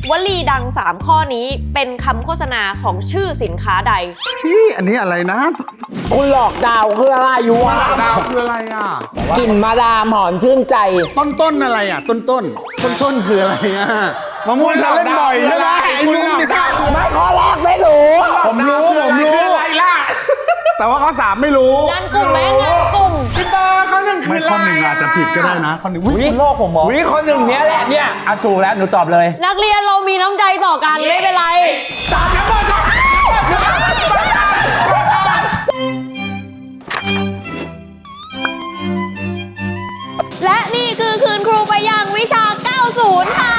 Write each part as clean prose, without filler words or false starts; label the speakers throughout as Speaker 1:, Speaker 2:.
Speaker 1: วลีดัง3ข้อนี้เป็นคำโฆษณาของชื่อสินค้าใด
Speaker 2: พี่อันนี้อะไรนะ
Speaker 3: คุณหลอกดาวคืออะไรอยู่วะ
Speaker 4: ดาวคืออะไรอ่ะ
Speaker 3: กลิ่นมาดามหอมชื่นใจ
Speaker 2: ต้นอะไรอ่ะต้นคืออะไรอ่ะมะม่วงเธอเล่นบ่อยใช่ไหมไอ้ลุงนี่
Speaker 3: ไม่ข้อแรกไม่รู้
Speaker 2: ผมรู้
Speaker 4: อะไรล่ะ
Speaker 2: แต่ว่าข้อ3ไม่รู้
Speaker 1: งานกลุ่มไหมงานกลุ่ม
Speaker 4: พี่บอลข้อ 1คืออะไร
Speaker 2: ไม่ข้อ 1อาจจะผิดก็ได้นะข้อ 1วิโลกผมมอง
Speaker 3: วิข้อ 1เนี้ยแหละเนี่ยเอาถูกแล้วหนูตอบเลย
Speaker 1: นักเรียนเรามีน้ำใจต่อกันไม่เป็นไรและนี่คือคืนครูไปยังวิชา 90 ค่ะ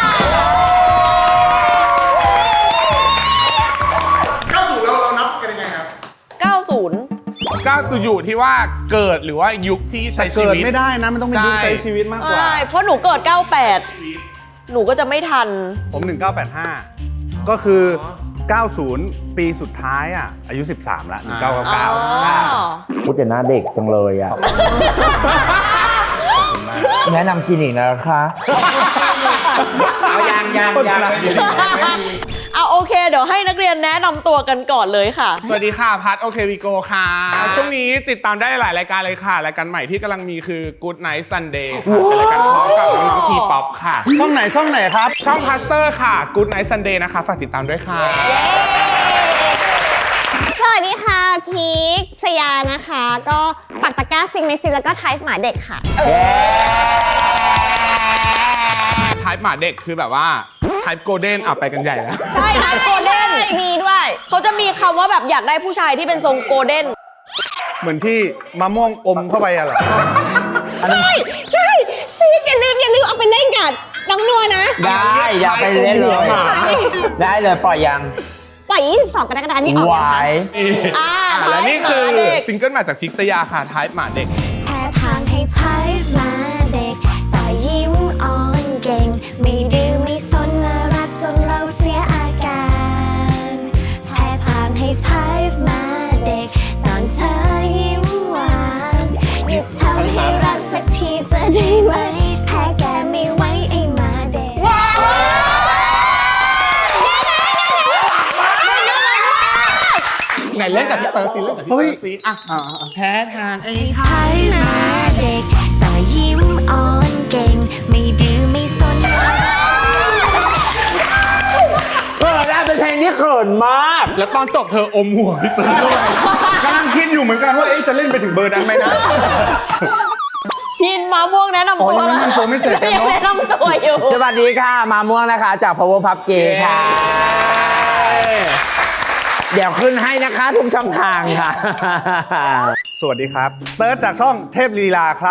Speaker 4: 90เรานับกันยังไงครับ
Speaker 1: 90
Speaker 4: 90อยู่ที่ว่าเกิดหรือว่ายุคที่ใช้ชีวิต
Speaker 2: เกิดไม่ได้นะมันต้องเป็นยุคใช้ชีวิตมากกว่า
Speaker 1: เพราะหนูเกิด 98 หนูก็จะไม่ทัน
Speaker 2: ผม1985ก็คือ90ปีสุดท้ายอ่ะอายุ13ละ1999
Speaker 3: พูดแต่หน้าเด็กจังเลยอ่ะแนะนำคลินิกนะคะเอายัง
Speaker 1: เอาโอเคเดี๋ยวให้นักเรียนแนะนำตัวกันก่อนเลยค่ะ
Speaker 4: สวัสดีค่ะพัทโอเควีโกค่ะช่วงนี้ติดตามได้หลายรายการเลยค่ะรายการใหม่ที่กำลังมีคือ Good Night Sunday ค่ะเป็นรายการพร้อมกับน้องๆทีป๊อปค่ะ
Speaker 2: ช่องไหนครับ
Speaker 4: ช่องพาสเตอร์ค่ะ Good Night Sunday นะคะฝากติดตามด้วยค่ะ
Speaker 5: สวัสดีค่ะพีคสยานะคะก็ปักตะกร้าซิงในซิแล้วก็ไทป์หมาเด็กค่ะ
Speaker 4: ไทป์หมาเด็กคือแบบว่าไทป์โกลเด้นไปกันใหญ่แล้ว
Speaker 1: ใช่ไทป์โกลเด้นมีด้วยเขาจะมีคำว่าแบบอยากได้ผู้ชายที่เป็นทรงโกลเด้น
Speaker 2: เหมือนที่มะม่วงอมเข้าไปอะเหรอ
Speaker 5: ใช่ซีอย่าลืมเอาไปเล่นกับน้องนัวนะ
Speaker 3: ได้อย่าไปเล่นเลยได้เลยปล่อยยัง
Speaker 5: ปล่อย22 กรกฎาคมนี้ออกนะคะ
Speaker 4: และนี่คือซิงเกิลมาจากพิกษยาค่ะไทป์หมาเด็ก
Speaker 6: แพ้ทางให้ไทป์หมาเด็กแต่ยิ้มอ่อนเก่งไม่ดื้อไม่สนน่ารักจนเราเสียอาการแพ้ทางให้ไทป์หมาเด็กตอนเธอยิ้มหวานหยุดทำให้รักสักทีจะได้ไหมแพ้แกไม่ไหวไอ้หมาเด็ก
Speaker 4: ไหนเล่นกับพี่เต๋อสิเล่นกับพี่เต๋อสิแพ้ทางไอ้
Speaker 6: ไทป์หมาเด็กแต่ยิ้มอ่อนเก่งไม่ดื้อไม่สน
Speaker 3: ได้เป็นเพลงที่เขินมาก
Speaker 4: แล้วตอนจบเธออมหัวพี่เต๋อด้วย
Speaker 2: กำลังคิดอยู่เหมือนกันว่าจะเล่นไปถึงเบอร์นั้นไหมนะ
Speaker 1: พินมาม่วงแนะนำตัว
Speaker 2: ยังแนะนำตัวไม่เสร็จกันเนาะ
Speaker 1: แนะนำตัวอยู่
Speaker 3: สวัสดีค่ะมาม่วงนะคะจาก Power Pub G ค่ะเดี๋ยวขึ้นให้นะคะทุกช่องทางค่ะ
Speaker 2: สวัสดีครับเติร์ดจากช่องเทพลีลาครับ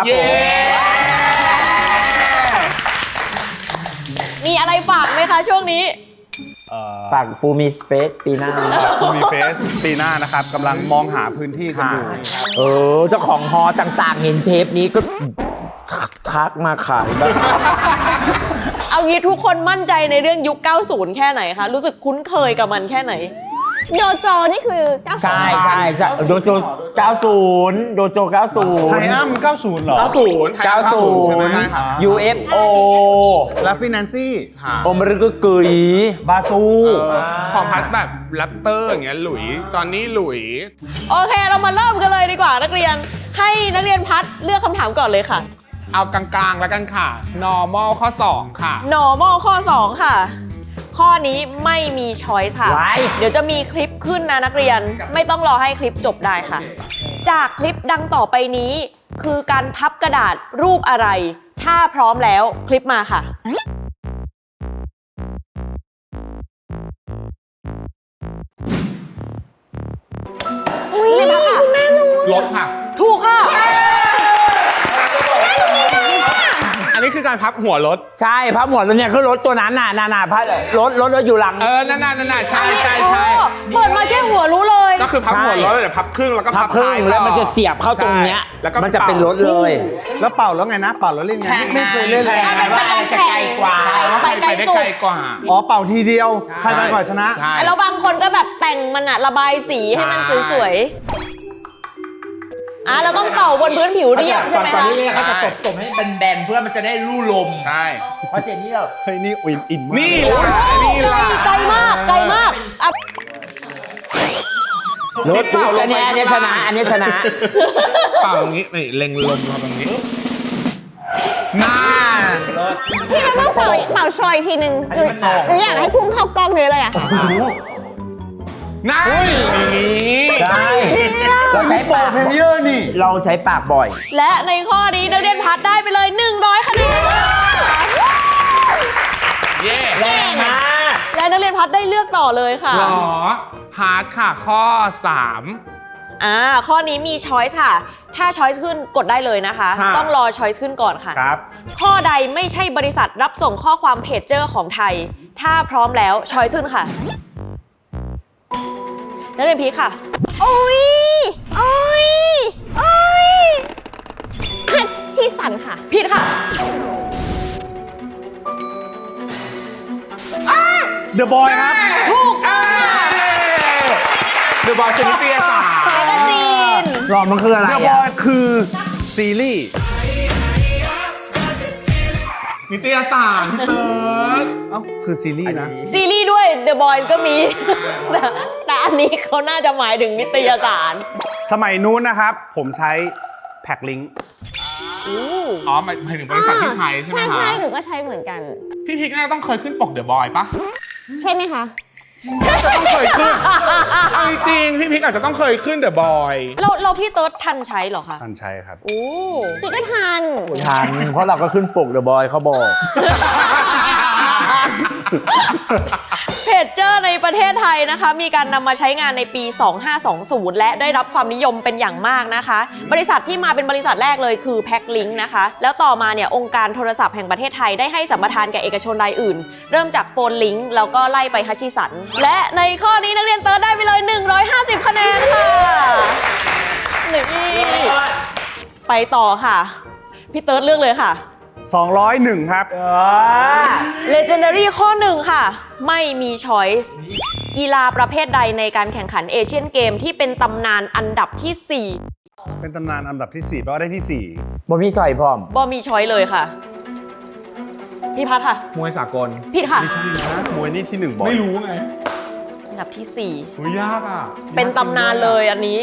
Speaker 1: มีอะไรฝากไหมคะช่วงนี้
Speaker 3: ฝากฟูมิเฟสปีหน้า
Speaker 2: ฟูมิเฟสปีหน้านะครับกำลังมองหาพื้นที่กันอยู่
Speaker 3: เจ้าของฮอต่างๆเห็นเทปนี้ก็ทักมาขายบ้าง
Speaker 1: เอางี้ทุกคนมั่นใจในเรื่องยุค 90 แค่ไหนคะรู้สึกคุ้นเคยกับมันแค่ไหน
Speaker 5: โดโจนี่คือ90
Speaker 3: ใช่โดโจ90โดโจ90
Speaker 2: ไทอัม90เหรอ
Speaker 3: 90
Speaker 2: ใช่ไหม
Speaker 3: UFO
Speaker 2: ลาฟินันซี่
Speaker 3: อมรึกกุย
Speaker 2: บาซู
Speaker 4: ของพัดแบบแรปเตอร์อย่างเงี้ยหลุยจอนนี่หลุย
Speaker 1: โอเคเรามาเริ่มกันเลยดีกว่านักเรียนให้นักเรียนพัดเลือกคำถามก่อนเลยค่ะ
Speaker 4: เอากลางๆแล้วกันค่ะ normal ข้อ2ค่ะ
Speaker 1: normal ข้อ2ค่ะข้อนี้ไม่มีช้อยส์ค่ะเดี๋ยวจะมีคลิปขึ้นนะนักเรียนไม่ต้องรอให้คลิปจบได้ค่ะจากคลิปดังต่อไปนี้คือการพับกระดาษรูปอะไรถ้าพร้อมแล้วคลิปมาค่ะ
Speaker 5: นี่พับค่ะคุณแม่รู้
Speaker 4: รถค่ะ
Speaker 1: ถูกค่ะ
Speaker 4: อันนี้คือการพับหัวรถ
Speaker 3: ใช่พับหัวรถเนี่ยคือรถตัวนั้นน่ะพับรถอยู่หลัง
Speaker 4: นั่นใช่
Speaker 1: เปิดมาแค่หัวรู้เลย
Speaker 4: ก็คือพับหัวรถเดี๋ยวพับครึ่งแล้วก็พับท้าย
Speaker 3: แล้วมันจะเสียบเข้าตรงเนี้ยมันจะเป็นรถเลย
Speaker 2: แล้วเป่าแล้วไงนะเป่าแล้วเล่นไงไม่เคยเล่นเลย
Speaker 1: มันไกลกว่า
Speaker 4: ไปไกลกว่า
Speaker 2: เป่าทีเดียวใครไปก่อนชนะ
Speaker 1: แล้วบางคนก็แบบแต่งมันระบายสีให้มันสวยๆเราต้องเป่าบนพื้นผิวเรียบใช่ไหมคะ
Speaker 3: ตอนนี้เขาจะตบให้เป็นแบนเพื่อมันจะได้ลู่ลม
Speaker 4: ใช่
Speaker 3: เพราะเสียงนี้เรา
Speaker 2: เฮ้ยนี่อิ่ม
Speaker 4: นี่ล่ะ
Speaker 3: รถอันนี้ชนะอันนี้ชนะ
Speaker 4: เป่าอย่างนี้นี่เล็งลมมาตรงนี้น่า
Speaker 5: พี่เราต้องเป่าชอยทีนึงหนูอยากให้พุ่งเข้ากล้องนี้เลยอะ
Speaker 4: น่าอย่างนี้
Speaker 3: ใช่เราใช้ปาก
Speaker 2: เพลเยอร์นี่
Speaker 3: เราใช้ปากบ่อย
Speaker 1: และในข้อนี้นักเรียนพัดได้ไปเลย 100 คะแนนค่ะ
Speaker 4: เย่
Speaker 3: แรงมาก
Speaker 1: และนักเรียนพัดได้เลือกต่อเลยค่ะ
Speaker 4: หรอฮาร์ดค่ะข้อ
Speaker 1: ข้อนี้มีช้อยส์ค่ะ ถ้าช้อยส์ขึ้นกดได้เลยนะคะ
Speaker 4: ค่ะ
Speaker 1: ต้องรอช้อยส์ขึ้นก่อนค่ะ
Speaker 2: ครับ
Speaker 1: ข้อใดไม่ใช่บริษัทรับส่งข้อความเพจเจอร์ของไทย ถ้าพร้อมแล้วช้อยส์ขึ้นค่ะนักเรียนพีคค่ะ
Speaker 5: โอ้ยฮัตชิสันค่ะ
Speaker 1: ผิดค่ะ
Speaker 2: เดอะบอยครับ
Speaker 1: ถูกต้องค่ะ
Speaker 4: เดอะบอลชนิดเปียสา
Speaker 1: แมกกาซีน
Speaker 3: รอมันคืออะไร
Speaker 2: เดอะบอยคือซีรีส์
Speaker 4: นิตยสารพี่เติร์ด
Speaker 2: เอ้าคือซีรีส์นะ
Speaker 1: ซีรีส์ด้วย The Boys ก็มี แต่อันนี้เขาน่าจะหมายถึงนิตยสาร
Speaker 2: สมัยนู้นนะครับ ผมใช้แพ็คลิงก์
Speaker 4: อ๋อหมายถึงบริษัทที่ใช้ใช่ไหมคะ
Speaker 5: ใช่หนูก็ใช้เหมือนกัน
Speaker 4: พี่พิกน่าจะต้องเคยขึ้นปกเดอะบอยปะ
Speaker 5: ใช่ไหมคะ
Speaker 4: จะต้องเคยขึ้นเอาจริงๆพี่พิกอาจจะต้องเคยขึ้นเดอะบอย
Speaker 1: เราพี่เติร์ดทันใช้เหรอคะ
Speaker 2: ท่านใช้ครับ
Speaker 1: โอ้
Speaker 5: พี่ก็ทัน
Speaker 3: ทันเพราะเราก็ขึ้นปกเดอะบอยเขาบอก
Speaker 1: เพจเจอร์ในประเทศไทยนะคะ มีการนำมาใช้งานในปี 2520 และได้รับความนิยมเป็นอย่างมากนะคะ บริษัทที่มาเป็นบริษัทแรกเลยคือแพ็คลิงก์นะคะ แล้วต่อมาเนี่ยองค์การโทรศัพท์แห่งประเทศไทยได้ให้สัมปทานแก่เอกชนรายอื่น เริ่มจากโฟนลิงก์แล้วก็ไล่ไปฮัชชิสัน และในข้อนี้นักเรียนเติร์ดได้ไปเลย 150 คะแนนค่ะนี่ไปต่อค่ะ พี่เติร์ดเลือกเลยค่ะ
Speaker 2: 201 ครับ
Speaker 1: Legendary ข้อ 1 ค่ะ ไม่มี choice กีฬาประเภทใดในการแข่งขันเอเชียนเกมที่เป็นตำนานอันดับที่
Speaker 2: เป็นตำนานอันดับที่ 4 แปลว่าได้ที่
Speaker 3: บ่มีใส่พร้อม
Speaker 1: 4บ่มี choice เลยค่ะ พี่พัดค่ะ
Speaker 2: 4 มวยสากล
Speaker 1: ผิดค่ะ
Speaker 2: ไม่ใช่นะมวยนี่ที่ 1บ่อย
Speaker 4: ไม่รู้ไง
Speaker 1: อันดับที่
Speaker 4: โอ้ยยากอ่ะ
Speaker 1: 4 เป็นตำนานเลยอันนี้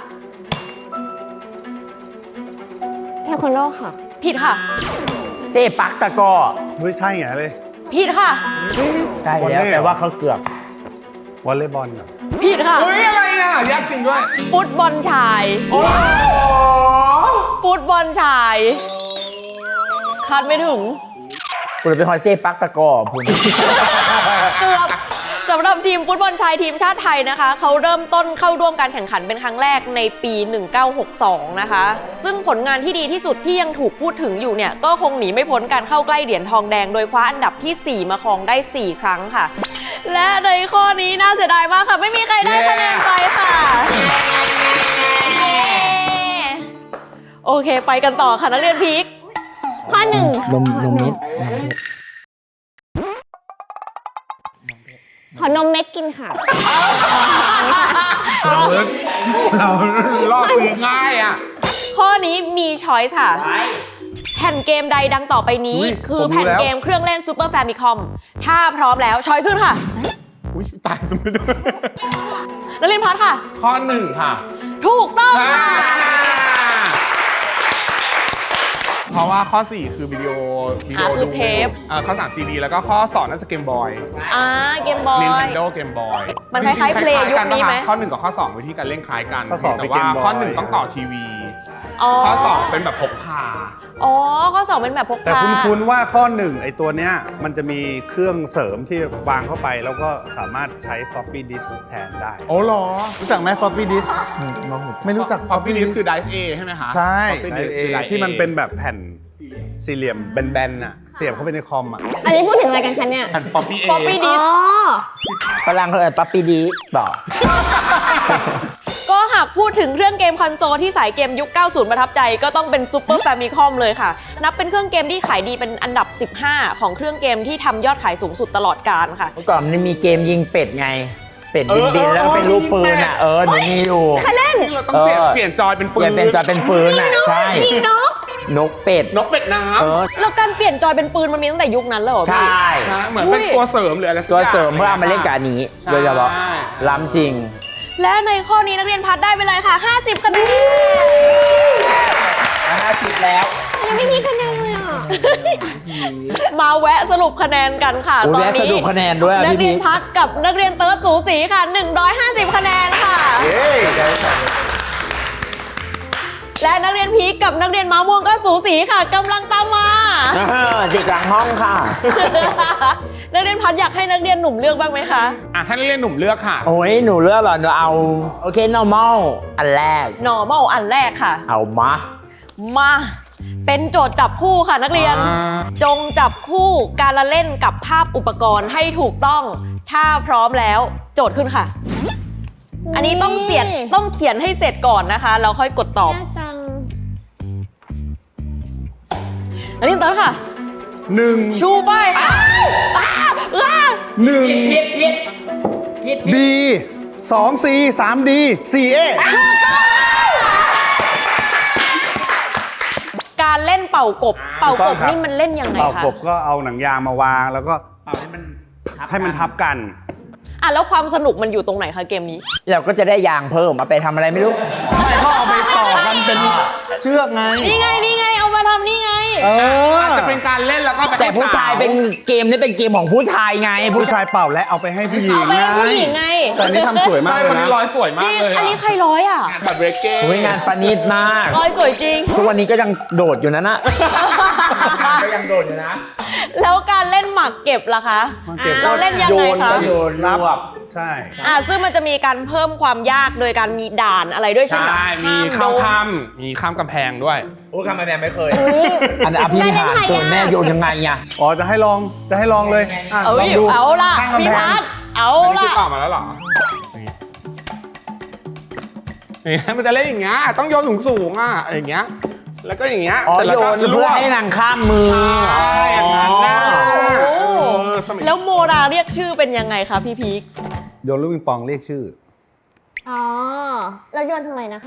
Speaker 5: เทควันโดค่ะ
Speaker 1: ผิดค่ะ
Speaker 3: เซปักตะกอ
Speaker 2: เฮ้ย ใช่ไงเลย
Speaker 1: ผิดค่ะ
Speaker 3: ใช่
Speaker 2: วอล
Speaker 3: แล้ว
Speaker 2: เล่
Speaker 3: แต่ว่าเขาเกือบ
Speaker 2: วอลเลย์บอลเหรอ
Speaker 1: ผิดค่ะ
Speaker 4: เฮ้ยอะไรอ่ะยากจริงด้วย
Speaker 1: ฟุตบอลชาย
Speaker 4: โอ้โห
Speaker 1: ฟุตบอลชาย คาดไม่ถึง
Speaker 3: กูเลยไปคอยเซปักตะกอพุ่น
Speaker 1: เกือบสำหรับทีมฟุตบอลชายทีมชาติไทยนะคะ เขาเริ่มต้นเข้าร่วมการแข่งขันเป็นครั้งแรกในปี 1962 นะคะ ซึ่งผลงานที่ดีที่สุดที่ยังถูกพูดถึงอยู่เนี่ย ก็คงหนีไม่พ้นการเข้าใกล้เหรียญทองแดงโดยคว้าอันดับที่ 4 มาครองได้ 4 ครั้งค่ะ และในข้อนี้น่าเสียดายมากค่ะ ไม่มีใครได้คะแนนไปค่ะเย้โอเคไปกันต่อค่ะนักเรียนพีค
Speaker 5: ข้อ 1 ค่ะ
Speaker 3: นมเม็ด
Speaker 5: ขอนมเม็ดกินค่ะ
Speaker 4: เราลอกซื้อง่ายอ่ะ
Speaker 1: ข้อนี้มีช้อยส์ค่ะ แผ่นเกมใดดังต่อไปนี้
Speaker 2: อุ๊ย
Speaker 1: คือ
Speaker 2: ผมรู้
Speaker 1: แผ่น
Speaker 2: แล้ว
Speaker 1: เกมเครื่องเล่น Super Famicom ถ้าพร้อมแล้วช้อยส์ขึ้นค่ะ
Speaker 4: อุ้ยตายจะไม่ได้
Speaker 1: นักเรียนพัดค่ะ
Speaker 4: ข้อ 1 ค่ะ
Speaker 1: ถูกต้องค่ะ
Speaker 4: เพราะว่าข้อ 4 คือวิดีโอ
Speaker 1: คือเทป
Speaker 4: ข้อ 3 CD แล้วก็ข้อ 2 น่าจะเกมบอย
Speaker 1: เกมบอย
Speaker 4: Nintendo เกมบอย
Speaker 1: มันคล้ายๆ Play ยุคนี้ไหม
Speaker 4: ข้อ 1 กับข้อ 2 วิธีการเล่นคล้ายกัน
Speaker 2: ข้อสอง
Speaker 4: แต่
Speaker 2: เป็น
Speaker 4: ว่า
Speaker 2: Game Boy
Speaker 4: ข้อ 1 ต้องต่อทีวี
Speaker 1: อ๋อ
Speaker 4: ข้อ 2 เป็นแบบพกพา
Speaker 1: อ๋อ ข้อ 2 เป็นแบบพก
Speaker 2: แต่
Speaker 1: พา
Speaker 2: คุ้นๆว่าข้อ 1 ไอตัวเนี้ยมันจะมีเครื่องเสริมที่วางเข้าไป แล้วก็สามารถใช้ floppy disk แทนได้
Speaker 4: โอ้เหรอ
Speaker 2: รู้จักไหม floppy disk ไม่รู้จัก
Speaker 4: พอพี่ดิสคือ Dice A ใช่ไหมคะ
Speaker 2: ใช่
Speaker 4: Floppy disk
Speaker 2: ไอ
Speaker 4: คือ Dice A
Speaker 2: ที่มันเป็นแบบแผ่นสี่เหลี่ยมแบนๆน่ะ เสียบเข้าไปในคอมอ่ะ
Speaker 5: อันนี้พูดถึงอะไรกันคะเนี่ย
Speaker 4: แผ่น Floppy A
Speaker 1: ฟอปปี้ดิ
Speaker 5: อ๋
Speaker 1: ส
Speaker 5: อ
Speaker 3: ฝรั่งเขาเอ่ยปั๊ปปี้ดีบอก
Speaker 1: ก็หากพูดถึงเครื่องเกมคอนโซลที่สายเกมยุค 90 ประทับใจก็ต้องเป็น Super Famicom เลยค่ะ นับเป็นเครื่องเกมที่ขายดีเป็นอันดับ 15 ของเครื่องเกมที่ทำยอดขายสูงสุดตลอดกาลค่ะ
Speaker 3: เมื่อก่อนมันมีเกมยิงเป็ดไง เป็ดบินๆแล้วก็เป็นรูปปืนอ่ะ หนูมีอยู่
Speaker 5: ใครเล่น
Speaker 4: ที่เราต้องเปลี่ยนจอยเป็นปื
Speaker 3: เปลี่ยนเป็นจะเป็นปืนอ่ะ ใช่
Speaker 5: ยิงนก
Speaker 3: นกเป็ด
Speaker 4: นกเป็ดน้
Speaker 1: แล้วการเปลี่ยนจอยเป็นปืนมันมีตั้งแต่ยุคนั้นเลยเหรอ
Speaker 3: ใช
Speaker 1: พี่
Speaker 3: ่
Speaker 4: ำเหมือนเป็นตัวเสริมหรืออะไรสัก
Speaker 3: ตัว
Speaker 4: อย่าง
Speaker 3: เสริมเพื่อเอามาเล่นกับอันนี้
Speaker 4: ใช่
Speaker 3: โดยเฉพาะล้ำจริง
Speaker 1: และในข้อนี้นักเรียนพัดได้ไปเลยค่ะ 50 คะแนน
Speaker 3: 50 แล้ว
Speaker 5: ยังไม่มีคะแนนเลยอ่ะ
Speaker 1: มาแวะสรุปคะแนนกันค่ะ
Speaker 3: โอ้
Speaker 1: ตอน
Speaker 3: แวะ
Speaker 1: นี้
Speaker 3: สรุปคะแนนด้วยอะ
Speaker 1: นัก
Speaker 3: พี่
Speaker 1: เรียน
Speaker 3: บิ๊ก
Speaker 1: พัดกับนักเรียนเติร์ดสูสีค่ะ 150 คะแนนค่ะ และนักเรียนพีคกับนักเรียนม้าม่วงก็สูสีค่ะกำลังตามมา
Speaker 3: เด็กหลังห้องค่ะ
Speaker 1: นักเรียนพัดอยากให้นักเรียนหนุ่มเลือกบ้างไหมคะ
Speaker 4: อ่ะให้นักเรียนหนุ่มเลือกค่ะ
Speaker 3: โอ้ยหนูเลือกเหรอหนูเอาโอเค normal อันแรก
Speaker 1: normal อันแรกค่ะ
Speaker 3: เอามา
Speaker 1: มาเป็นโจทย์จับคู่ค่ะนักเรียน จงจับคู่การละเล่นกับภาพอุปกรณ์ให้ถูกต้อง ถ้าพร้อมแล้วโจทย์ขึ้นค่ะ อันนี้ต้องเขียนให้เสร็จก่อนนะคะแล้วค่อยกดตอบ
Speaker 5: ยากจัง
Speaker 1: นักเรียนเติร์ดค่ะ
Speaker 2: 1
Speaker 1: ชูป้ายค่ะ
Speaker 2: B 2 C 3 D 4 A
Speaker 1: การเล่นเป่ากบ เป่ากบนี่มันเล่นยังไง
Speaker 2: เป่า
Speaker 1: คะ
Speaker 2: กบก็เอาหนังยางมาวางแล้วก็ให้มันทับกัน
Speaker 1: อ่ะแล้วความสนุกมันอยู่ตรงไหนคะเกมนี้
Speaker 3: เราก็จะได้ยางเพิ่มเอาไปทำอะไรไม่รู้
Speaker 2: ไม่ก็เอาไปต่อกันเป็นเชือกไง
Speaker 1: นี่ไงเอามาทำนี่ไง
Speaker 4: อาจจะเป็นการเล่นแล้วก็ไป
Speaker 3: แต่ผู้ชายเป็นเกมนี่เป็นเกมของผู้ชายไง
Speaker 2: ผู้ชายเป่าและเอาไปให้ผู้หญิง
Speaker 1: เอาไปให้ผู้หญิงไง
Speaker 2: แต่อันนี้ทำสวยมาก
Speaker 4: ใช่
Speaker 2: เล
Speaker 4: คน
Speaker 2: ย
Speaker 4: นี้
Speaker 2: นะ
Speaker 4: ร้อยสวยมา
Speaker 1: จ
Speaker 4: ก
Speaker 1: ริง
Speaker 4: เลย
Speaker 1: อันนี้ใครร้อยอ่ะ
Speaker 4: แบบเรเก้
Speaker 3: โอ้ยงานประณีตมาก
Speaker 1: ร้อยสวยจริง
Speaker 3: ทุกวันนี้ก็ยังโดดอยู่นะก็ยังโดดอยู่นะ
Speaker 1: แล้วการเล่นหมากเก็บล่ะคะ
Speaker 2: หมากเก็บ
Speaker 1: เราเล่นยังไงคะ
Speaker 3: โยนรวบ
Speaker 2: ใช่
Speaker 1: ซึ่งมันจะมีการเพิ่มความยากโดยการมีด่านอะไรด้วยใช่ไหม
Speaker 4: ใช่มีข้ามถ้ำมีข้ามกำแพงด้วย
Speaker 3: โอ้คำแม่ไม่เคย อันอภินิหารตัวแม่โยนยังไงอะ
Speaker 2: อ๋อจะให้ลองเลยอ่ะ
Speaker 1: เอ้
Speaker 2: ลอย งดู
Speaker 1: เอาล่ะ
Speaker 2: ข้างกำ
Speaker 1: พี่
Speaker 2: แพ
Speaker 1: พั
Speaker 2: ง
Speaker 1: ดเอา
Speaker 4: อันนี้
Speaker 1: ล่ะ
Speaker 4: คือตอบมาแล้วเหรอนี่มันจะเล่นอย่างเงี้ยต้องโยนสูงๆอ่ะอย่างเงี้ยแล้วก็อย่างเงี้ย
Speaker 3: อ๋อ
Speaker 4: เสร็จแล้ว
Speaker 3: โย
Speaker 4: ก็
Speaker 3: นเพื่อให้นางข้ามมือ
Speaker 4: ใช่อย่างนั้นนะ สมัย
Speaker 1: แล้วโมราเรียกชื่อเป็นยังไงคะพี่พีค
Speaker 2: โยนลูกปิงปองเรียกชื่อ
Speaker 5: อ๋อ แล้วโยนทำไมนะคะ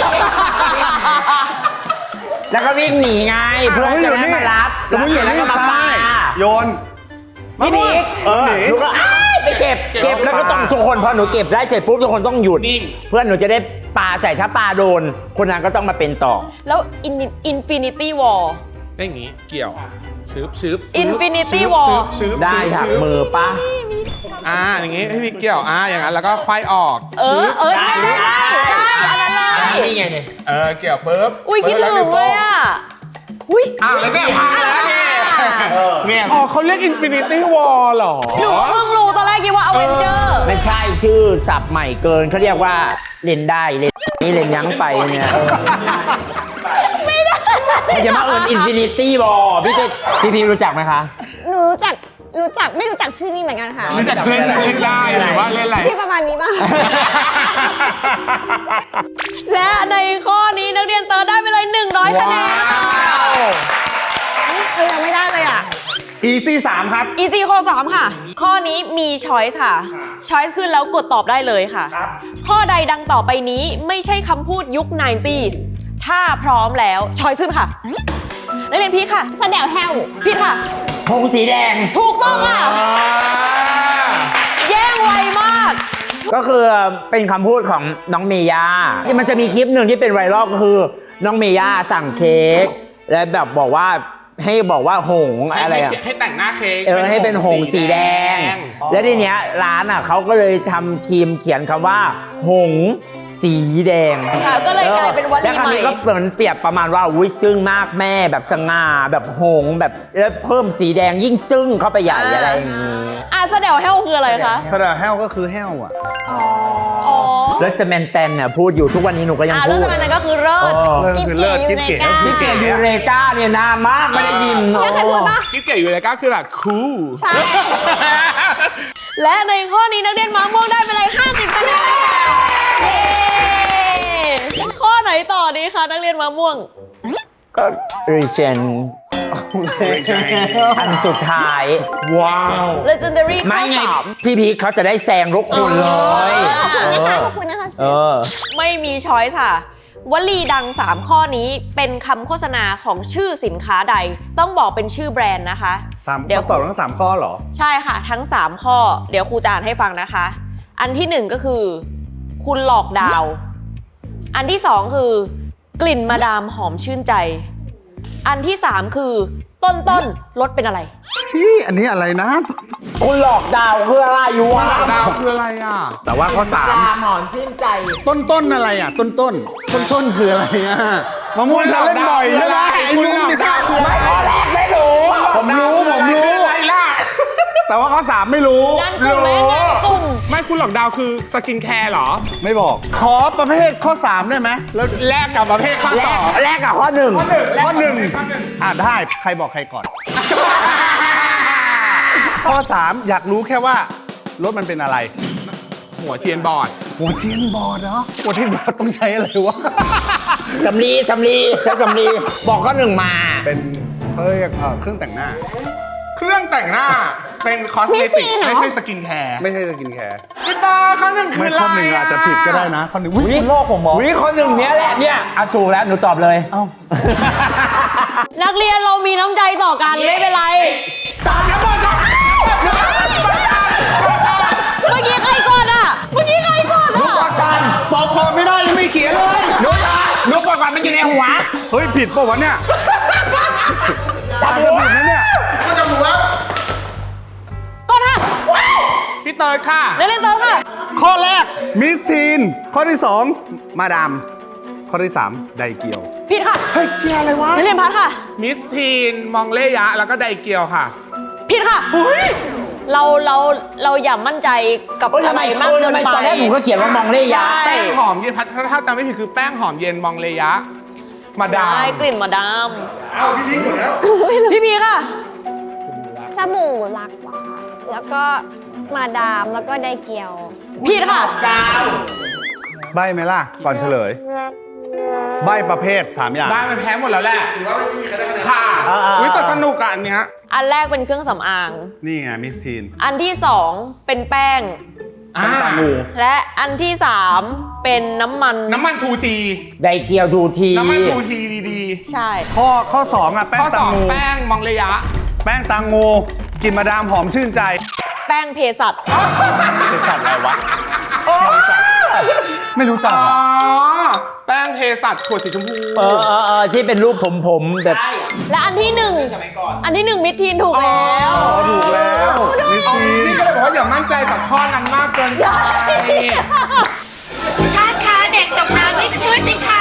Speaker 3: แล้วก็วิ่งหนีไงเพื่อนจะได้มารับ
Speaker 2: สมมติอยู่
Speaker 3: แล้ว
Speaker 2: นี่
Speaker 3: ก็มา
Speaker 2: ใช่
Speaker 3: ปา
Speaker 2: โยน
Speaker 3: พี่บิ๊ก
Speaker 2: หนี
Speaker 3: หนูก็อ้ายไปเก็บแล้วก็ต้องทุกคนพอหนูเก็บได้เสร็จปุ๊บทุกคนต้องหยุด
Speaker 4: นิ่ง
Speaker 3: เพื่อนหนูจะได้ปาใส่ถ้าปาโดน คนนั้นก็ต้องมาเป็นต่อ
Speaker 1: แล้ว Infinity War
Speaker 4: ได้อย่างงี้เกี่ยวชืบ
Speaker 1: Infinity War
Speaker 3: ได้ถักมือปะ
Speaker 4: อย่างงี้พี่เกี่ยวอย่างนั้นแล้วก็ควายออก
Speaker 1: ใช่อันนั้นเลย
Speaker 3: นี่ไงเนี่ย
Speaker 4: เกี่ยวปุ๊บ
Speaker 1: อุ้ยคิดถึงเลยอ่ะอุ้ย
Speaker 4: แล้วก็พังแล้วเนี่ยอ๋อเขาเรียก Infinity War เหรอ
Speaker 1: หนูเพิ่งรู้ตอนแรกคิดว่า Avenger
Speaker 3: ไม่ใช่ชื่อศัพท์ใหม่เกินเขาเรียกว่าเล่นได้เล่นนี่เล่นยั้งไปเนี่ยไม่ได้อย่ามาเอิญอินฟินิตี้บอลพี่รู้จักไหมคะ
Speaker 5: หนูรู้จักไม่รู้จักชื่อนี้เหมือนกันค่ะ
Speaker 4: เล่นได้หรือว่าเล่นอะไร
Speaker 5: ที่ประมาณนี้ป่ะ
Speaker 1: และในข้อนี้นักเรียนเติร์ดได้ไปเลย100 คะแนนค่ะ
Speaker 5: ยังไม่ได้เลยอ่ะ
Speaker 2: Easy 3 ครับ
Speaker 1: Easy ข้อ 3 ค่ะ ข้อนี้มี choice ค่ะ choice ขึ้นแล้วกดตอบได้เลยค่ะ ข้อใดดังต่อไปนี้ไม่ใช่คำพูดยุค 90s ถ้าพร้อมแล้ว choice ขึ้นค่ะ นักเรียนพีคค่ะ
Speaker 5: แสดงแฮว
Speaker 1: พีคค่ะ
Speaker 3: ธงสีแดง
Speaker 1: ถูกต้องค่ะ แย่งไวมาก
Speaker 3: ก็คือเป็นคำพูดของน้องเมย่าที่มันจะมีคลิปหนึ่งที่เป็นไวรัลก็คือน้องเมย่าสั่งเค้กและแบบบอกว่าให้บอกว่าหงส์อะไรอะ
Speaker 4: ให้แต่งหน้าเค้ก
Speaker 3: ให้เป็นหงส์สีแดง และทีเนี้ยร้านอ่ะเขาก็เลยทำครีมเขียนคำว่า หงส์สีแดง
Speaker 1: ค่ะก็เลยกลายเป็นวลี
Speaker 3: และคำนี้
Speaker 1: ใหม่
Speaker 3: ก็เหมือนเปรียบประมาณว่าอุ้ยจึ้งมากแม่แบบสง่าแบบหงส์แบบแล้วเพิ่มสีแดงยิ่งจึ้งเข้าไปใหญ่อะไรอย่างนี้
Speaker 1: แสดงแฮลคืออะไรคะ
Speaker 2: สระแห้วก็คือแห้วอ่ะ
Speaker 1: อ๋อ
Speaker 3: แล้วสแมนแตนเนี่ยพูดอยู่ทุกวันนี้หนูก็ยัง
Speaker 1: แล้ว
Speaker 3: พูด
Speaker 1: ทำไมนั่นก็คือเลิศ
Speaker 2: เลิศคือเลิศกิ๊บเก๋
Speaker 3: นี่เก๋ยูเรกาเนี่ยนานมากไม่ได้ยิน
Speaker 5: เนี่ยใครพูดปะ
Speaker 4: กิ๊บเก๋อยู่เลยก็คือแบบคูล
Speaker 5: ใช่
Speaker 1: และในข้อนี้นักเรียนม้าม่วงได้ไปเลย50 คะแนนเย้ข้อไหนต่อดีคะนักเรียนม้าม่วง
Speaker 3: ก็รีเจนอันสุดท้าย
Speaker 4: ว้าว
Speaker 1: Legendary ข้
Speaker 3: ไม่
Speaker 1: อ
Speaker 3: ไง
Speaker 1: 3
Speaker 3: พี่พีคเขาจะได้แซงทุกคนเลย
Speaker 5: ขอบคุณนะคะ
Speaker 3: เออ
Speaker 1: ไม่มีช้อยส์ค่ะ วลีดัง 3 ข้อนี้เป็นคำโฆษณาของชื่อสินค้าใด ต้องบอกเป็นชื่อแบรนด์นะคะ เดี๋ยว
Speaker 2: ตอบทั้ง3ข้อเหรอ
Speaker 1: ใช่ค่ะ ทั้ง 3 ข้อ เดี๋ยวครูจะอ่านให้ฟังนะคะ อันที่ 1 ก็คือคุณหลอกดาว อันที่ 2 คือกลิ่นมาดามหอมชื่นใจ อันที่ 3 คือต้นรสเป็นอะไร
Speaker 2: พี่อันนี้อะไรนะ
Speaker 3: คุณหลอกดาวคืออะไรอยู่วะ
Speaker 4: ดาวคืออะไรอ่ะ
Speaker 2: แต่ว่าข้อ
Speaker 3: ตาหมอนชื่นใจ
Speaker 2: 3 ต้นอะไรอ่ะ ต้นคืออะไรอ่ะมะม่วงเธอเล่นบ่อยใช่ไหมไอ้
Speaker 4: คุณ
Speaker 2: ลุ
Speaker 4: ห
Speaker 2: ง
Speaker 4: ลอก
Speaker 2: ดิ
Speaker 4: ดาวคืออะไร
Speaker 3: ข้อแรกไม่รู้
Speaker 2: ผมรู้
Speaker 4: คืออะไรล่ะ
Speaker 2: แต่ว่าข้อ 3 ไม่รู้
Speaker 1: งานกลุ่มไหมงานกลุ่ม
Speaker 4: ไม่คุณหลอกดาวคือสกินแคร์เหรอ
Speaker 2: ไม่บอก ขอประเภทข้อ 3 ได้ไหมแล้ว
Speaker 4: แลกกับประเภทข้อ
Speaker 3: แร
Speaker 4: ส
Speaker 3: ก
Speaker 4: อง
Speaker 3: แรกกับข้อหนึ่ง
Speaker 2: ข้อ 1
Speaker 4: ข้อหนึ่ง
Speaker 2: ได้ใครบอกใครก่อน ข้อ 3 อยากรู้แค่ว่ารถมันเป็นอะไร
Speaker 4: หัวเทียนบอด
Speaker 2: หัวเทียนบอดเหรอหัวเทียนบอดต้องใช้อะไรวะ
Speaker 3: สำลีใช้สำลีบอกข้อหนึ่งมา
Speaker 2: เป็นเขาเรียกเครื่องแต่งหน้า
Speaker 4: เครื่องแต่งหน้าเป็นคอสเมติกไม่ใช่สกินแคร์
Speaker 2: ไม่ใช่สกินแคร์
Speaker 4: พี่ตาข้อหนึ่งคือ
Speaker 2: ไม่
Speaker 4: อะไร
Speaker 2: ข้อหนึ่งอาจจะผิดก็ได้นะข้อหนึ่งอุ๊ยคุณโลกผมเหรอ
Speaker 3: วิข้อหนึ่งเนี้ยแหละเนี่ยเอาถูกแล้วหนูตอบเลย
Speaker 2: เอ้า
Speaker 1: นักเรียนเรามีน้ำใจต่อกันไม่เป็นไร เมื่อกี้ใครก่อนอ่ะ เมื่อกี้ใครก่อนอ่ะ
Speaker 2: ตอบก่อนไม่ได้ยังไม่เขียนเลย
Speaker 3: นุ๊กก่อนมันอยู่ในหัว
Speaker 2: เฮ้ยผิดป่ะวะเนี่ยอาจจะผิดนะเนี่ย
Speaker 1: ก่อนค่ะ
Speaker 4: พี่เติร์ดค่ะ
Speaker 1: นักเรียนต่อค่ะ
Speaker 2: ข้อแรกมิสทีนข้อที่ 2 มาดาม ข้อที่ 3 ไดเกียว
Speaker 1: ผิดค่ะ
Speaker 2: เฮ้ยเกียอะไรวะ
Speaker 1: นักเรียนพัดค่ะ
Speaker 4: มิสทีนมองเล่ยะ แล้วก็ไดเกียวค่ะ
Speaker 1: ผิดค่ะเราอย่ามั่นใจกับ
Speaker 3: เอ้ย
Speaker 1: อะไรมากเกินไป
Speaker 3: ตอนแรกหนูก็เขียนว่ามองเล่ยะ
Speaker 1: ใช่
Speaker 4: แป้งหอมเย็นพัดถ้าจำไม่ผิดคือแป้งหอมเย็นมองเลยะ มาดาม
Speaker 1: ได้กลิ่นมาดามพี่พีค่ะ
Speaker 5: สบู่รักว่ะแล้วก็มาดามแล้วก็ไดเกียว
Speaker 1: ผิดค่ะ
Speaker 2: ใบไหมล่ะ ก่อนเฉลย ใบประเภท 3 อย่าง
Speaker 4: ได้มันแพ้หมดแล้วแหละถือว่าไม่มีใครได้คะแนนค่ะวิแต่สนุกอะอันเนี้ย
Speaker 1: อันแรกเป็นเครื่องสำอาง
Speaker 2: นี่ไงมิสทีน
Speaker 1: อันที่ 2 เป็นแป้ง
Speaker 2: แป้งตางู
Speaker 1: และอันที่ 3 เป็นน้ำมัน
Speaker 4: น้ำมันทูที
Speaker 3: ไดเกียวดูที
Speaker 4: น้ำมันทูทีดี
Speaker 1: ใช่
Speaker 2: ข้อ 2 อ่ะ แป้
Speaker 4: ๆ
Speaker 2: ง
Speaker 4: ข้อ
Speaker 2: ตา
Speaker 4: สอง
Speaker 2: งู
Speaker 4: แป้งมองเลยะ
Speaker 2: แป้งตางูกลินมาดามหอมชื่นใจ
Speaker 1: แป้งเภสัช
Speaker 2: เป็นสัตว์อะไรวะ ไม่รู้จัก
Speaker 4: อ๋อ
Speaker 2: อะ
Speaker 4: แป้งเภสัชขวดสีชมพู
Speaker 3: ที่เป็นรูปผมแบบ
Speaker 1: และอันที่ 1 อันที่ 1 มิดทีนถูกแล้ว
Speaker 2: ถูกแล้วมิสทีน
Speaker 4: พี่ก็เลยบอกว่าอย่ามั่นใจกับข้อนั้นมากเกินไป
Speaker 7: ชาติคะเด็กตกน้ำนี่ช่วยสิคะ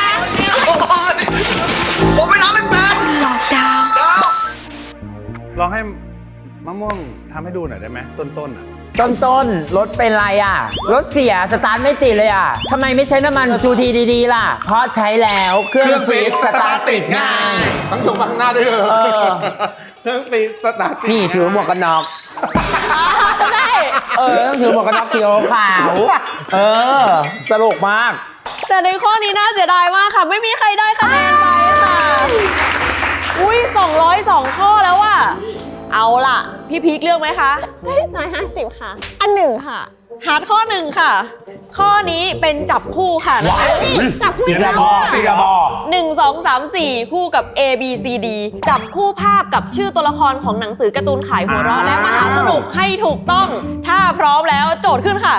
Speaker 8: ผมไม่ทำไม่เป็น
Speaker 7: หลอกดาว
Speaker 2: ลองให้มะม่วงทำให้ดูหน่อยได้ไหมต้นๆอ่ะ
Speaker 3: ต้นรถเป็นไรอ่ะ รถเสียสตาร์ทไม่ติดเลยอ่ะทำไมไม่ใช้น้ำมันทูทีดีๆล่ะ เพราะใช้แล้วเครื่องฟีดสตาร์ทติดง่าย
Speaker 4: ต้องถูกข้างหน้าด้วยเลย
Speaker 3: เออ
Speaker 4: เครื่องฟีดสตาร์ทติด
Speaker 3: นี่ถือหมวกกันน็อก
Speaker 1: ใช่
Speaker 3: ต้องถือหมวกกันน็อกสีขาวตลกมาก
Speaker 1: แต่ในข้อนี้น่าเสียดายมากค่ะ ไม่มีใครได้คะแนนไปค่ะ อุ้ย202 ข้อแล้วว่ะ เอาล่ะ พี่พีคเลือกไหมคะ
Speaker 5: 150 ค่ะ อันหนึ่งค่ะ
Speaker 1: ฮาร์ดข้อ 1 ค่ะ ข้อนี้เป็นจับคู่ค่ะนะคะ
Speaker 5: จับผู้
Speaker 3: สีกระบอกสีกระบอก
Speaker 1: 1 2 3 4 คู่กับ A B C D จับคู่ภาพกับชื่อตัวละครของหนังสือการ์ตูนขายหัวเราะและมหาสนุกให้ถูกต้อง ถ้าพร้อมแล้วโจทย์ขึ้นค่ะ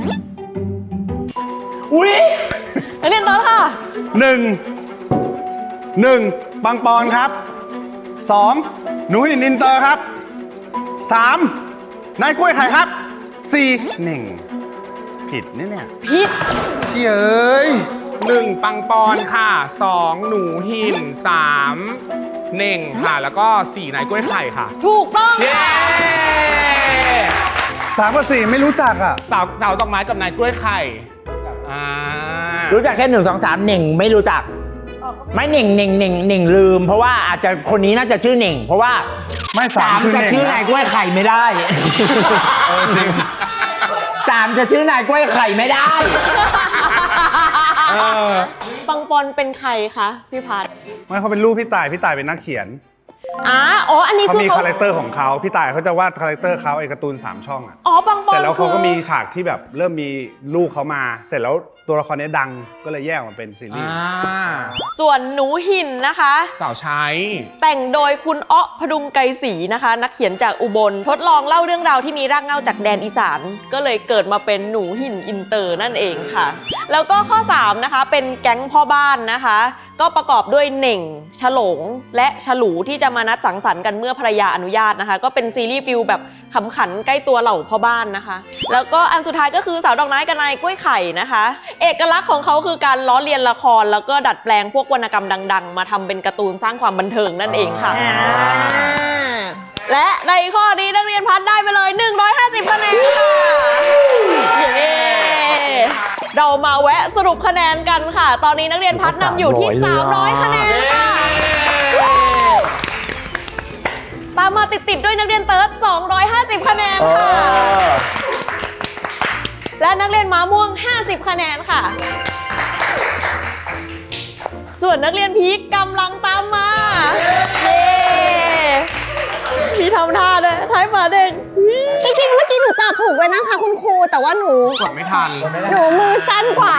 Speaker 3: อุ้ย
Speaker 1: นักเรียนต้นค่ะ
Speaker 2: 1 ปังปอนครับ 2 หนูหินอินเตอร์ครับ 3 นายกล้วยไข่ครับ 4 เน่ง ผิดเนี่ย
Speaker 1: พีค
Speaker 2: เชี่ยเอ้ย
Speaker 4: 1 ปังปอนค่ะ 2 หนูหิน 3 เน่งค่ะ แล้วก็ 4 นายกล้วยไข่ค่ะ
Speaker 1: ถูกต้อง
Speaker 4: เย้
Speaker 1: ค่ะ
Speaker 2: 3 กับ 4 ไม่รู้จักอ่ะ
Speaker 4: สาวดอกไม้กับนายกล้วยไข่อ่า
Speaker 3: รู้จักแค่1 2 3เหน่งไม่รู้จัก ไม่เหน่งลืม เพราะว่าอาจจะคนนี้น่าจะชื่อเหน่ง เพราะว่า
Speaker 2: ไม่สามคือ
Speaker 3: จะ
Speaker 2: เหน่ง
Speaker 3: ชื่อ
Speaker 2: นะ
Speaker 3: นายกล้วยไข่ไม่ได้
Speaker 2: จริง
Speaker 3: 3จะชื่อนายกล้วยไข่ไม่ได้
Speaker 1: ปังปอนเป็นใครคะพี่พัด
Speaker 2: ไม่เขาเป็นลูกพี่ต่ายเป็นนักเขียน
Speaker 1: อ๋ออันนี้
Speaker 2: เขา
Speaker 1: คือ
Speaker 2: มี
Speaker 1: เขา
Speaker 2: คาแรคเตอร์ของเขาพี่ต่ายเขาจะวาดคาแรคเตอร์เขาไอ้การ์ตูน3 ช่องอ่ะ
Speaker 1: อ๋อปังปอน
Speaker 2: เสร็จแล้วเขาก็
Speaker 1: คือ
Speaker 2: มีฉากที่แบบเริ่มมีลูกเขามา เสร็จแล้วตัวละครนี้ดังก็เลยแยกออกมาเป็นซีรีส์
Speaker 1: ส่วนหนูหินนะคะ
Speaker 4: สาวใช้
Speaker 1: แต่งโดยคุณอ๊อพดุงไกรศรีนะคะ นักเขียนจากอุบล ทดลองเล่าเรื่องราวที่มีรากเหง้าจากแดนอีสาน ก็เลยเกิดมาเป็นหนูหินอินเตอร์นั่นเองค่ะ แล้วก็ข้อ 3 นะคะ เป็นแก๊งพ่อบ้านนะคะ ก็ประกอบด้วยเหน่งฉลงและฉลูที่จะมานัดสังสรรค์กันเมื่อภรรยาอนุญาตนะคะ ก็เป็นซีรีส์ฟิลแบบขำขันใกล้ตัวเหล่าพ่อบ้านนะคะ แล้วก็อันสุดท้ายก็คือสาวดอกไม้กับนายกล้วยไข่นะคะ เอกลักษณ์ของเขาคือการล้อเลียนละคร แล้วก็ดัดแปลงพวกวรรณกรรมดังๆ มาทำเป็นการ์ตูนสร้างความบันเทิงนั่นเองค่ะ และในข้อนี้นักเรียนพัดได้ไปเลย 150 คะแนนค่ะเย้เรามาแวะสรุปคะแนนกันค่ะ ตอนนี้นักเรียนพัดนำอยู่ที่ 300 คะแนนค่ะ ตามมาติดๆด้วยนักเรียนเติร์ด 250 คะแนนค่ะ และนักเรียนม้าม่วง 50 คะแนนค่ะ ส่วนนักเรียนพีคกำลังตามมา เย้ มีทำท่าด้วยท้ายหมาเด้ง
Speaker 5: จริงๆเมื่อกี้หนูตอบถูกไว้นะคะคุณครูแต่ว่าหนู
Speaker 4: กดไม่ทัน
Speaker 5: มือสั้นกว่า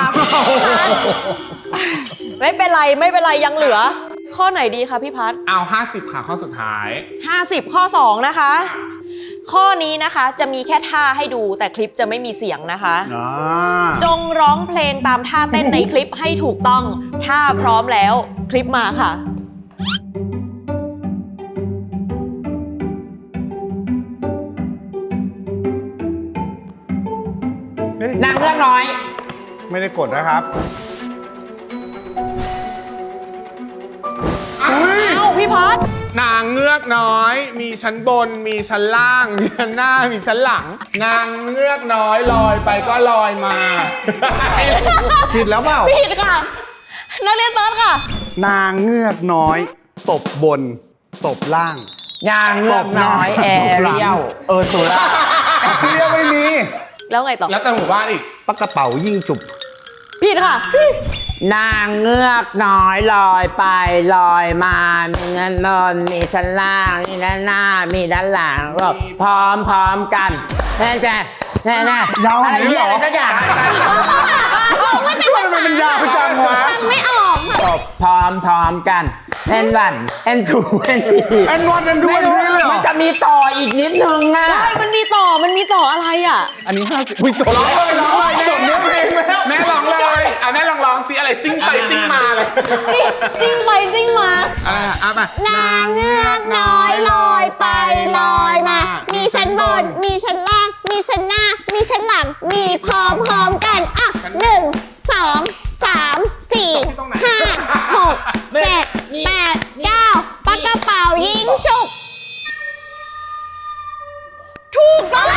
Speaker 1: ไม่เป็นไรยังเหลือ ข้อไหนดีคะพี่พัฒ
Speaker 4: เอา 50 ค่ะข้อสุดท้าย
Speaker 1: 50 ข้อ 2 นะคะ ข้อนี้นะคะจะมีแค่ท่าให้ดูแต่คลิปจะไม่มีเสียงนะคะ จงร้องเพลงตามท่าเต้นในคลิปให้ถูกต้อง ถ้าพร้อมแล้วคลิปมาค่ะ
Speaker 3: นางเลือกน้อย
Speaker 2: ไม่ได้กดนะครับ
Speaker 1: อ้าวพี่พัฒ
Speaker 4: นางเงือกน้อย มีชั้นบน มีชั้นล่าง มีชั้นหน้า มีชั้นหลัง นางเงือกน้อยลอยไปก็ลอยมา
Speaker 2: ผิดแล้วเปล่า
Speaker 1: ผิดค่ะ นักเรียนเติร์ดค่ะ
Speaker 2: นางเงือกน้อย ตบบน ตบล่าง
Speaker 3: นางเลือกน้อยแอเรียลสุรา
Speaker 2: เรียกไม่มี
Speaker 1: แล้วไงต่อ
Speaker 4: แล้วแต่หมู่บ้านอีก
Speaker 2: ปากกระเป๋ายิ่งจุบ
Speaker 1: ผิดค่ะ
Speaker 3: นางเงือกน้อยลอยไปลอยมามีเงินนอนมีชั้นล่างมีด้านหน้ามีด้านหลังก็พร้อมกันแน่
Speaker 2: ยาว
Speaker 3: อะไร
Speaker 2: นี้
Speaker 3: เหี้ย
Speaker 2: เหร
Speaker 3: อะไร
Speaker 2: อ
Speaker 3: สักอย่าง
Speaker 5: ไม่เป็นภาษา
Speaker 2: มันยาวจังวะ
Speaker 5: ฟังไม่ออกค่ะ
Speaker 3: พร้อมกันแอนวันแอนทูแอนที
Speaker 2: แอนวันแอนดูแอนทีเลยเหรอ
Speaker 3: มันจะมีต่ออีกนิดนึงอ่ะ
Speaker 1: ใช่มันมีต่ออะไรอ่ะ
Speaker 2: อันนี้50อุ้ยจบ
Speaker 4: ร้องเลย
Speaker 2: จบเนื้อเพลงแล้ว
Speaker 4: แม่ร้องเลยแม่ร้องซิอะไรซิ่งไปซิ่งมาเลย
Speaker 1: ซิ่งไปซิ่งมา
Speaker 4: ไป
Speaker 5: นางเงือกน้อยลอยไปลอยมา มีชั้นบน มีชั้นล่าง มีชั้นหน้า มีชั้นหลัง มีพร้อมกันอ่ะ1 2 3 4 5 6 7 8 9ปากกระเป๋ายิงฉุก
Speaker 1: ถูกต้อง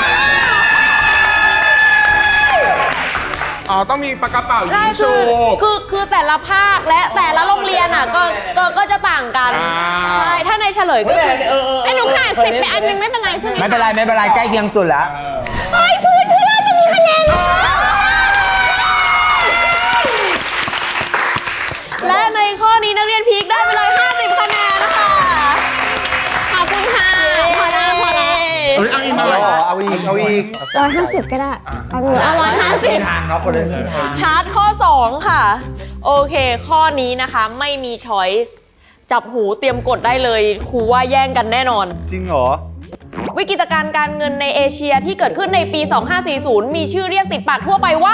Speaker 4: อ๋อต้องมีปากกระเป๋ายิ
Speaker 1: ใช่
Speaker 4: งชู
Speaker 1: คือแต่ละภาคและแต่ละโรงเรียนอ่ะก็จะต่างกัน ใช่ ถ้าในเฉลยก็คือ
Speaker 5: ไอ้หนูขาด10ไปอันนึงไม่เป็นไรใช่ไหม
Speaker 3: ไม่เป็นไรใกล้เคียงสุดแล้ว
Speaker 5: เฮ้ยเพื่อนจะมีคะแนนแล้ว
Speaker 1: และในข้อนี้นักเรียนพีคได้ไปเลย 50 คะแนนค่ะ
Speaker 5: ขอบคุณค่ะ พอแล้ว
Speaker 4: เอาอีกหน่อย
Speaker 2: เอาอีก
Speaker 5: 150ก็ได้เอา150
Speaker 3: ทางเนาะคนละทิศทาง
Speaker 1: พาร์ทข้อ 2 ค่ะ โอเค ข้อนี้นะคะไม่มีช้อยส์จับหูเตรียมกดได้เลยครูว่าแย่งกันแน่นอน
Speaker 2: จริงเหรอ
Speaker 1: วิกฤตการณ์การเงินในเอเชียที่เกิดขึ้นในปี 2540 มีชื่อเรียกติดปากทั่วไปว่า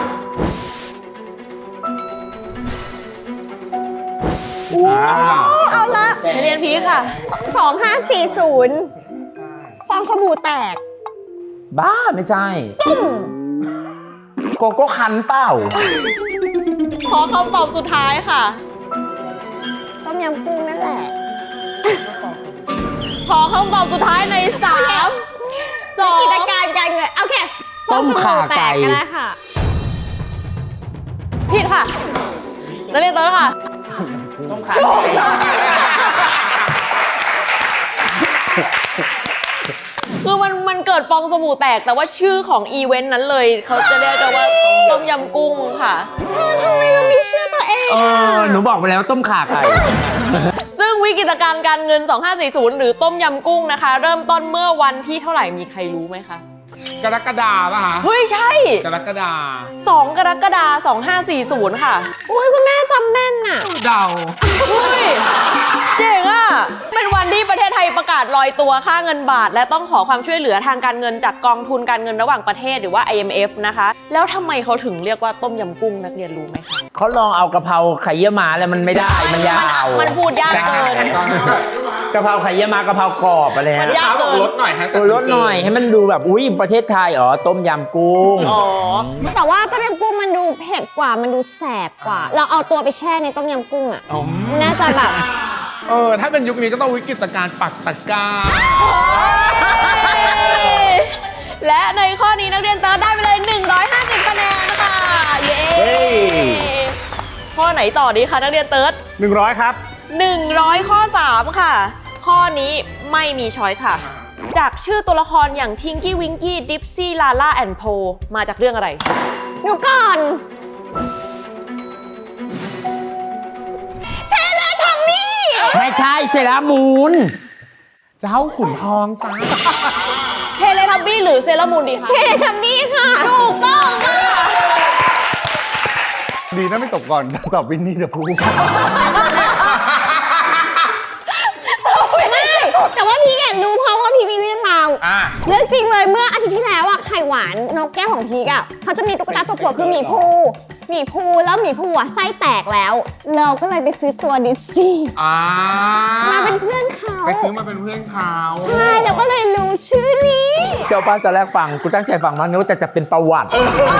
Speaker 5: เอาละ
Speaker 1: นักเรียนพีคค่ะ
Speaker 5: 2540 ฟองสบู่แตก
Speaker 3: บ้าไม่ใช่โกโก้คันเปล่า
Speaker 1: ขอคำตอบสุดท้ายค่ะ
Speaker 5: ต้มยำกุ้งนั่นแหละ
Speaker 1: ขอคำตอบสุดท้ายใน 3
Speaker 5: กิจการการเงินโอเคฟองสบู่แตกก็ได้ค่ะ
Speaker 1: ผิดค่ะนักเรียนเติร์ดค่ะ
Speaker 3: ต้องขาด
Speaker 1: คือมันเกิดฟองสบู่แตกแต่ว่าชื่อของอีเวนต์นั้นเลย เขาจะเรียกกันว่าต้มยำกุ้งค่ะ
Speaker 5: ทำไมมันมีชื่อตัวเอง
Speaker 3: หนูบอกไปแล้วต้มข่าไก่
Speaker 1: ซึ่งวิวิกฤตการณ์การเงิน 2540 หรือต้มยำกุ้งนะคะ เริ่มต้นเมื่อวันที่เท่าไหร่มีใครรู้ไหมคะ
Speaker 4: กรกฎาป่ะคะ
Speaker 1: เฮ้ยใช่
Speaker 4: กรกฎา
Speaker 1: 2 กรกฎาคม 2540 ค่ะ
Speaker 5: อุ้ยคุณแม่จำแม่นน่ะ
Speaker 4: เดา
Speaker 1: เฮ้ยเจ๋งอ่ะ เป็นวันที่ประเทศไทยประกาศลอยตัวค่าเงินบาท และต้องขอความช่วยเหลือทางการเงินจากกองทุนการเงินระหว่างประเทศหรือว่า IMF นะคะ แล้วทำไมเขาถึงเรียกว่าต้มยำกุ้งนักเรียนรู้ไหมคะ
Speaker 3: เขาลองเอากะเพราไข่เยี่ยวม้าแล้วมันไม่ได้มันยาว
Speaker 1: มันพูดยากเกิน
Speaker 3: กะเพราไข่เยี่ยวม้ากะเพรากรอบอะไร
Speaker 1: มัน
Speaker 3: ฮะ
Speaker 1: ยาก
Speaker 4: บอกลดหน่อยฮะ
Speaker 3: ลดหน่อยให้มันดูแบบอุ้ยประเทศไทยอ๋อต้มยำกุ้ง
Speaker 1: อ๋อ
Speaker 5: แต่ว่าต้มยำกุ้งมันดูเผ็ดกว่ามันดูแสบกว่า เราเอาตัวไปแช่ในต้มยำกุ้งอ่ะน่าจะแบบ
Speaker 4: ถ้าเป็นยุคนี้ก็ต้องวิกฤตการณ์ปักตะกร้า
Speaker 1: และในข้อนี้นักเรียนเติร์ดได้ไปเลย 150 คะแนนค่ะ เย้ ข้อไหนต่อดีคะนักเรียนเติร์ด
Speaker 2: 100 ครับ
Speaker 1: 100 ข้อ 3 ค่ะ ข้อนี้ไม่มีช้อยส์ค่ะ จากชื่อตัวละครอย่างทิงกี้วิงกี้ดิปซี่ลาล่าแอนโพมาจากเรื่องอะไร
Speaker 5: หนูก่อนเทเลทอมมี่
Speaker 3: ไม่ใช่เซรามูน
Speaker 4: เจ้าขุนทองจ้า
Speaker 1: เทเลทับบี้หรือเซรามูนดีคะ
Speaker 5: เทเลทอมมี่ค่ะ
Speaker 1: ถูกต้องค่ะ
Speaker 2: ดีนะไม่ตกก่อนตอบวินนี่เดอะพู
Speaker 5: ไม่แต่ว่าพี่อยากรู้เพราะว่าพี่มีเรื่องราว เรื่องจริงเลยเมื่ออาทิตย์ที่แล้วอะไข่หวานนกแก้วของพีกอะเขาจะมีตุ๊กตาตัวโปรดคือหมีภูแล้วหมีภูอะไส้แตกแล้ว เราก็เลยไปซื้อตัวดิสซี่มาเป็นเพื่อนเขา
Speaker 4: ไปซื้อมาเป็นเพื่อนเขา
Speaker 5: ใช่แล้วก็เลยรู้ชื่อนี้
Speaker 3: เจ้าป้าตอนแรกฟังกูตั้งใจฟังมากนึกว่าจะเป็นประวัติ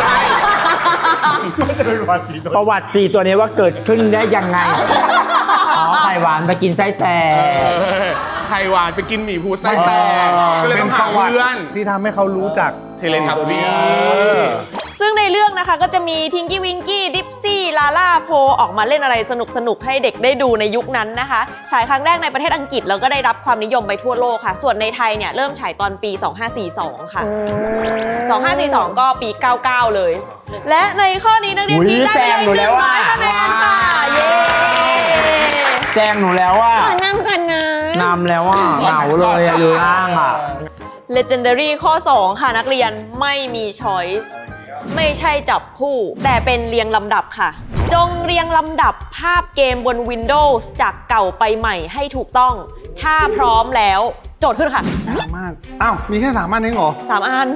Speaker 2: ไม่จะเป็นวันสีตัว
Speaker 3: ประวัติ4ตัวนี้ว่าเกิดขึ้นได้ยังไง อ๋อไข่หวานไปกินไส้แตก
Speaker 4: ไข่หวานไปกินหมี่ภูไส้แตกก็เลยต้องหาเพื่อน
Speaker 2: ที่ทำให้เขารู้จัก
Speaker 4: เทเลทับบี้
Speaker 1: ซึ่งในเรื่องนะคะก็จะมีทิงกี้วิงกี้ดิปซี่ลาล่าโพออกมาเล่นอะไรสนุกๆให้เด็กได้ดูในยุคนั้นนะคะฉายครั้งแรกในประเทศอังกฤษแล้วก็ได้รับความนิยมไปทั่วโลกค่ะ ส่วนในไทยเนี่ยเริ่มฉายตอนปี 2542 ค่ะ 2542 ก็ปี 99 เลย และในข้อนี้นักเรียน
Speaker 3: อุ๊ย
Speaker 1: พีคได้ไป
Speaker 3: แซงหนู
Speaker 1: เล
Speaker 3: แล้
Speaker 1: ยว
Speaker 3: อะ
Speaker 1: 100 คะแนนค่ะ เย้
Speaker 3: แซงหนูแล้วว่า
Speaker 5: ขอนำกันนะ
Speaker 3: นำแล้วว่าเหงาเลยอะอยู่ล่างอ่ะ
Speaker 1: Legendary ข้อ 2 ค่ะนักเรียนไม่มี choice ไม่ใช่จับคู่ แต่เป็นเรียงลำดับค่ะ จงเรียงลำดับภาพเกมบน Windows จากเก่าไปใหม่ให้ถูกต้อง ถ้าพร้อมแล้วโจทย์ขึ้นค่ะ
Speaker 2: ยากมาก อ้าว มีแค่3 อันเองเหรอ
Speaker 1: 3 อัน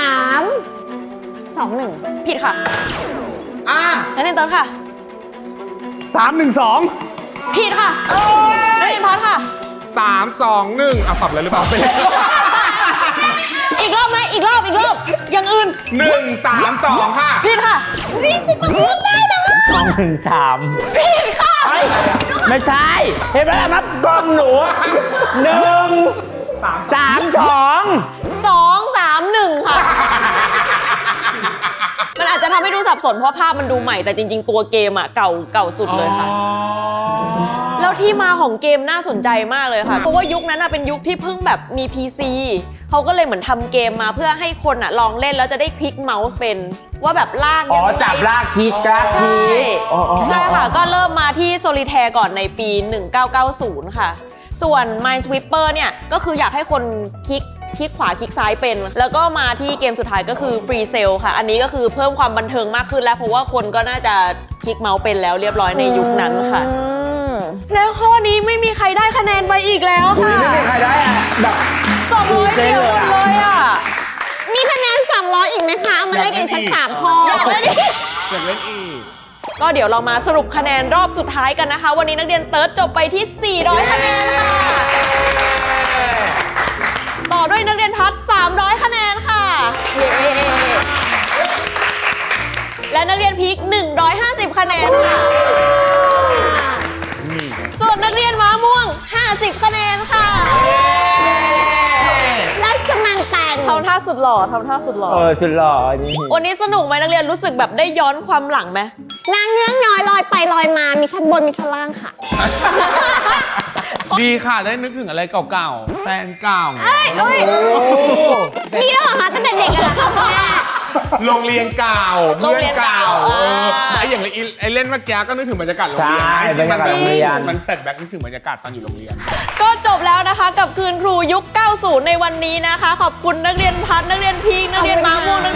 Speaker 5: 3 2 1
Speaker 1: ผิดค่ะนักเรียนเติร์ดค่ะ
Speaker 2: 3 1 2
Speaker 1: ผิดค่ะนักเรียนพอดค่ะ
Speaker 4: 3 2 1ปรับเลยหรือเปล่าไปเลย
Speaker 1: อีกรอบไหมอีกรอบอย่างอื่น
Speaker 4: 1 3 2 ค่ะ
Speaker 1: ผิดค่ะ
Speaker 3: 2 1 3
Speaker 1: ผิดค่ะ
Speaker 3: ไม่ใช่ เห็นไหมล่ะนับกล้องหนู1 3 2
Speaker 1: 2 3 1 ค่ะ มันอาจจะทำให้ดูสับสนเพราะภาพมันดูใหม่แต่จริงๆตัวเกมอะเก่าสุดเลยค่ะ แล้วที่มาของเกมน่าสนใจมากเลยค่ะ เพราะว่ายุคนั้นเป็นยุคที่เพิ่งแบบมี PC เขาก็เลยเหมือนทำเกมมาเพื่อให้คนลองเล่นแล้วจะได้คลิกเมาส์เป็นว่าแบบลาก
Speaker 3: อ๋อ
Speaker 1: ยังไง
Speaker 3: จับลากคลิกลากคลิ
Speaker 1: ใช่
Speaker 3: กอ๋อ
Speaker 1: ใช่ค่ะ ก็เริ่มมาที่ Solitaire ก่อนในปี 1990 ค่ะ ส่วน Minesweeper เนี่ยก็คืออยากให้คนคลิกขวาคลิกซ้ายเป็น แล้วก็มาที่เกมสุดท้ายก็คือ Free Cell ค่ะ อันนี้ก็คือเพิ่มความบันเทิงมากขึ้นแล้วเพราะว่าคนก็น่าจะคลิกเมาส์เป็นแล้วเรียบร้อยในยุคนั้นค่ะ แล้วข้อนี้ไม่มีใครได้คะแนนไปอีกแล้ว
Speaker 3: อุ้ย
Speaker 1: ค่ะ
Speaker 3: ไม่มีใครได้อะแบบ
Speaker 1: 200เดียวหมดเลยอ่ะ
Speaker 5: มีคะแนน300อีกไหมคะ เอามาเล่นกันสัก3ข้อ
Speaker 1: อยากเล่นอีก
Speaker 4: อยากเล่นอีก
Speaker 1: ก็เดี๋ยวเรามาสรุปคะแนนรอบสุดท้ายกันนะคะ วันนี้นักเรียนเติร์ดจบไปที่ 400 คะแนนค่ะ ต่อด้วยนักเรียนพัด 300 คะแนนค่ะ เย้ และนักเรียนพีค 150 คะแนนค่ะ ส่วนนักเรียนม้าม่วง 50 คะแนนค่ะ
Speaker 5: แล้วสมันแตน
Speaker 1: ทำท่าสุดหล่อทำท่าสุดหล่อ
Speaker 3: สุดหล่อนี่
Speaker 1: วันนี้สนุกไหมนักเรียนรู้สึกแบบได้ย้อนความหลังไหม
Speaker 5: นางเงื้อกน้อยลอยไปลอยมา มีชั้นบนมีชั้นล่างค่ะ
Speaker 4: ดีค่ะ ได้นึกถึงอะไรเก่าๆ แฟนเก่า
Speaker 5: มีแล้วเหรอคะตั้งแต่เด็กอะเหรอคะคุณแม่
Speaker 4: โรงเรียนเก่า
Speaker 1: โรงเรียนเก่า
Speaker 4: ไออย่างไอ้เล่นเมื่อกี้ก็นึกถึงบรรยากาศโรงเรียน
Speaker 3: ใช่
Speaker 4: จริงๆ
Speaker 3: บรรยากาศโรงเรียน
Speaker 4: มันแฟลชแบ็กนึกถึงบรรยากาศตอนอยู่โรงเรียน
Speaker 1: ก็จบแล้วนะคะกับคืนครูยุค 90 ในวันนี้นะคะ ขอบคุณนักเรียนพัฒน์นักเรียนพีคนักเรียนมาม่วง